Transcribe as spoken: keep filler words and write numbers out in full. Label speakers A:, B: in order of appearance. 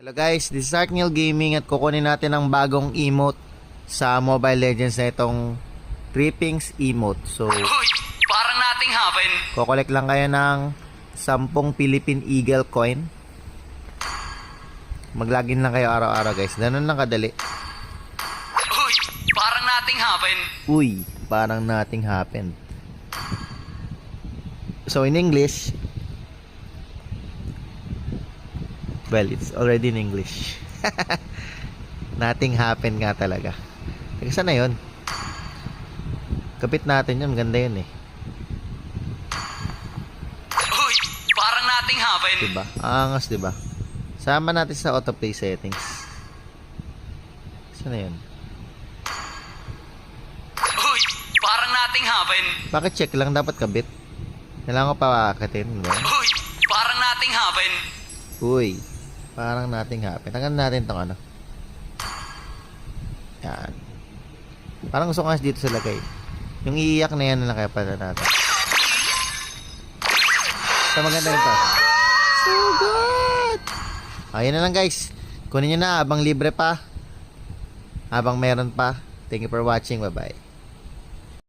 A: Hello guys, this is Arkneil Gaming at kukunin natin ang bagong emote sa Mobile Legends na itong Trippings emote. So,
B: Uy, parang nating happen.
A: kukolek lang kayo ng sampung Philippine Eagle coin. Maglagin lang kayo araw-araw guys. Ganun lang kadali.
B: Uy, parang nating happen.
A: Uy, parang nothing happened. So in English, well, it's already in English. Nothing happened nga talaga. Teka, saan na yun? Kapit natin yun. Ganda yun eh.
B: Uy, parang nating happen.
A: Diba? Angas, diba? Sama natin sa autoplay settings. Saan na yun?
B: Uy, parang nating happen.
A: Bakit check lang? Dapat kabit. Kailangan ko pa akatin. Diba?
B: Uy, parang nating happen.
A: Uy, parang nothing happened. Tanggalin natin tong ano. Yan. Parang gusto ko nga dito sa lagay. Yung iiyak na yan na lang kaya pala natin. Ito maganda ito. So good! Ayun na lang guys. Kunin nyo na habang libre pa. Habang meron pa. Thank you for watching. Bye bye.